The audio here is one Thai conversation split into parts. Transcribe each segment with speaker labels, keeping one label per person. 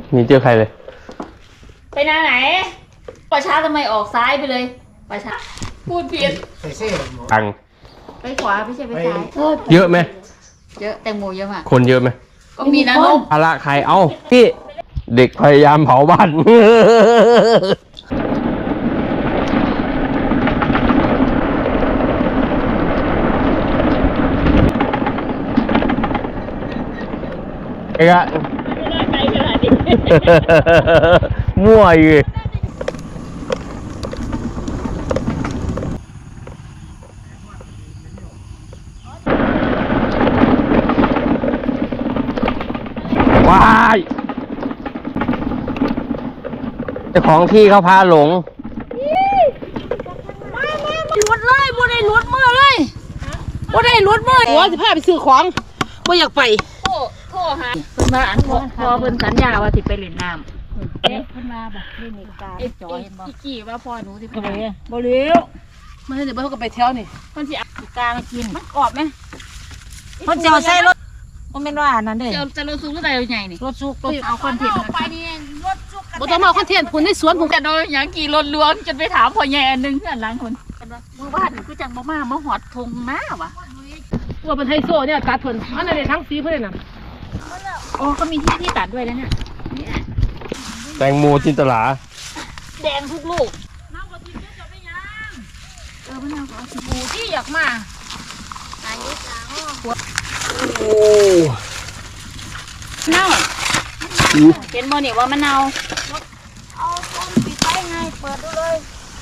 Speaker 1: มีเจอใครเลย
Speaker 2: ไปหน้าไหนประชาทำไมออกซ้ายไปเลยประชาพูดผิด
Speaker 1: ตัง
Speaker 2: ไปขวาไม่ใช่ไปซ้าย
Speaker 1: เยอะไหม
Speaker 2: เยอะแตงโมเยอะมาก
Speaker 1: คนเยอะไหม
Speaker 2: ก็มีนะนก
Speaker 1: ภาระใครเอ้าพี่เด็กพยายามเผาบ้านไอ้กะมั่วอยู่ว้ายเจ้าของที่เขาพาหลง
Speaker 2: รถเลยบ่ได้รถมือเลยบ่ได้รถมือ
Speaker 3: โอ้สิพาไปซื้อของบ่อยากไป
Speaker 2: โทรหาเพิ่นมาอันพอเพิ่นสัญญาว่าสิไปเล่นน้ำเพิ่นมาแบบเล่นกาจอยบ่อีกี้ว่าพ่อหนูสิไปไหน
Speaker 3: บ่เลี้ยวมันเดี๋ยวเพิ่นก็ไปเที่ยวนี่
Speaker 2: เพิ่นสิเอากามากินมันกรอบมั้ย
Speaker 3: เพิ่นจะเอาใส่รถบ่แม่นว่านั่นเด้
Speaker 2: จะรถซุกหรือใดใหญ่นี่
Speaker 3: รถซุก
Speaker 2: เอาคอนเทนต์ไปนี่รถซุก
Speaker 3: บ่ต้องมาคอนเทนต์พุ่นในสวนผม
Speaker 2: กันโดยหยังกี่รถลวงจนไปถามพ่อใหญ่อันนึงอันหลังคนมือบ้านคือจังมาหอดทงมาว่ะ
Speaker 3: ว่าเป็นไฮโซเนี่ยตัดเพิ่นอันนั้นทั้งสีเพิ่นน่ะ
Speaker 2: อ๋อก็มีที่ตัดด้วยแล้วเนี่ย
Speaker 1: แตงโมจินตลา
Speaker 2: แดงทุกลูกน้ำกะทิจะไม่ยังมะนาวก็ปูที่อยากมาอายุจ้า
Speaker 1: โอ้
Speaker 2: เน่าเห็นบ่เนี่ยว่ามันเน่าเอาต้นปิดไปไงเปิดดูเลย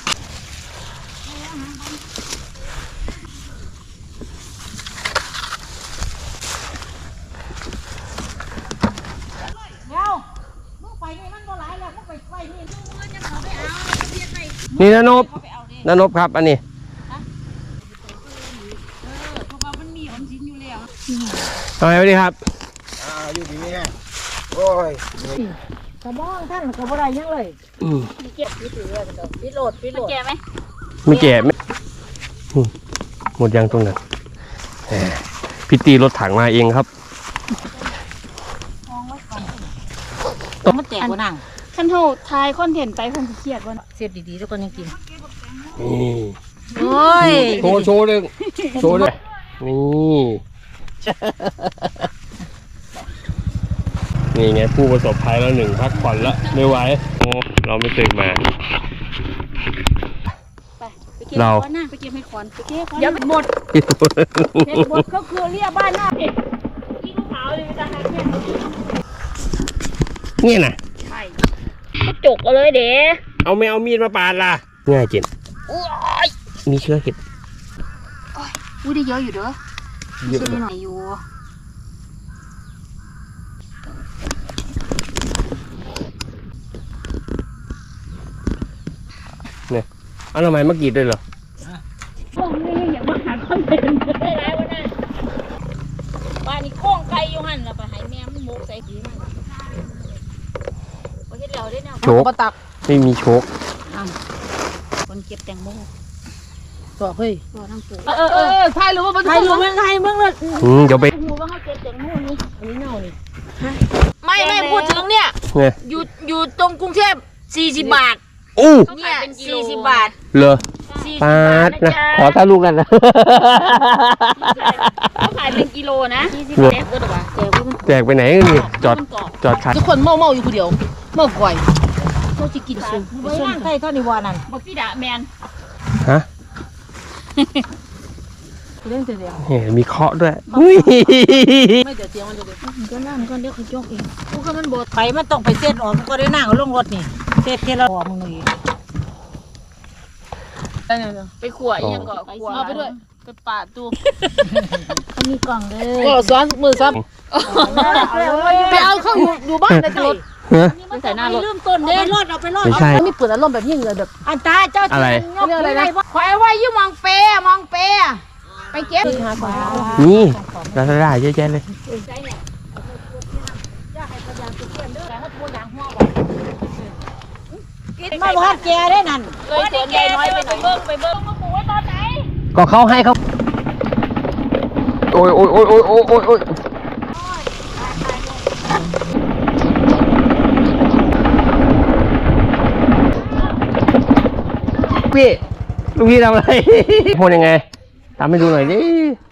Speaker 1: นี่นบครับอันนี้ทำไมไม่ดีครับ
Speaker 4: อยู่ดีนี่โอ้ย
Speaker 3: กระบ้องท่านกระบ่ได้ยังเลย
Speaker 2: เก็บพี่ถือพี่โหลดแก่ไหม
Speaker 1: ไม่แก่ไม่หมดยังตรงนั้นพี่ตีรถถังมาเองครับ
Speaker 3: ต้องมาแจกว่านั่ง
Speaker 2: ขั้นเท่าทายคอนเทนต์ไปคงเครียดว่า
Speaker 3: เสียบดีๆแล้วก็ยังกิน
Speaker 1: โอ้ยโชว์เลยนี่ไงผู้ประสบภัยแล้วหนึ่งพักผ่อนแล้วไม่ไหวเราไม่ตื่นมา
Speaker 2: เราไปเก็บให้ขวัญไปเก็บอย่าหมดก็คือเรียบ้านหน้าที่ลูกสาวเลยไปทางนั้น
Speaker 1: เนี่ยนะ
Speaker 2: ใช่ก็จกเอาเลยเด้
Speaker 1: เอาไม่เอามีดมาปาดล่ะง่ายจริงมีเชื้อเห็ด
Speaker 2: อุ้ยได้เยอะอยู่เด้อเยอะหน่อยอยู่
Speaker 1: เนี่ยเอาทำไมเมื่อกี้ด้วยเหรอ
Speaker 2: พวกนี้อย่างมาหาคอนเทนต์ได้ไรวะน่ะบ้านนี้โค้งไก่อยู่หันแล้วไปให้แม่มันมุกใส่ขี้มันโอเคแล้วได้แนว
Speaker 1: โชกไม่มีโชก
Speaker 2: คนเก็บแตงโม
Speaker 3: ต่อเฮ้ย
Speaker 2: ต่อทั้งปู
Speaker 3: ถ่ายรูปถ่ายรูปมึงถ่ายมึงเลย
Speaker 1: เดี๋ยวไป
Speaker 2: หูว่าเขาเก็บแตงโมนี่
Speaker 3: อันนี้เน่านี่
Speaker 2: ไม่พูดถึงเนี่ยอยู่ตรงกรุงเทพ40 บาทเนี่ย40 บาท
Speaker 1: เหรอปาดนะขอถ้าลูกกันนะ
Speaker 2: เขาขายเป็นกิโลนะ40 เมตรก็ได้ป่ะ
Speaker 1: แจกไปไหนนี่จอดขาย
Speaker 3: ทุกคนเมาอยู่คนเดียวเมาก่อยเขาจะกินซุปไม่ร่างใครเท่านี้วานั่น
Speaker 2: บอกพี่ด่าแมน
Speaker 1: ฮะ
Speaker 3: เรื่องเสียง
Speaker 1: มีเคาะด้วย
Speaker 3: ไม่เดี๋ยวเสียงมันเดี๋ยวก็นั่งก็เดี๋ยวเขายกเองพวกมันบดไปมันต้องไปเส้นออกมันก็ได้นั่งลงรถนี่เส้นเทละออกมึงเลย
Speaker 2: ไปขวดยังก่อขวด
Speaker 3: เอาไปด้วยไปปาดตู้
Speaker 2: เขามีกล่องเลย
Speaker 3: ก็ซ้อนมือซ้ำไปเอาเข้าอยู่บ้านในรถ
Speaker 2: ไม่ใส่หน้ารถ
Speaker 3: ลืมต้นเด้รถเอาไปรถไม่เปิดอารมณ์แบบยิ่งเลยแบบ
Speaker 2: อันตาเจ้า
Speaker 1: อะไร
Speaker 2: อะไรนะขอไอ้ไว้ยุ่มองเปไปเก็บ
Speaker 1: นี่ลาซาด้าเยอะแยะเลย
Speaker 3: มาวัดแกได้นั่น
Speaker 2: เลยสวนใหญ่น้อยไปเบิ้งมาปลูกไว้ตอนไหน
Speaker 1: ก็เขาให้เขาโอ้ยพี่ลูกพี่ทำอะไร พูดยังไงทำให้ดูหน่อยดิ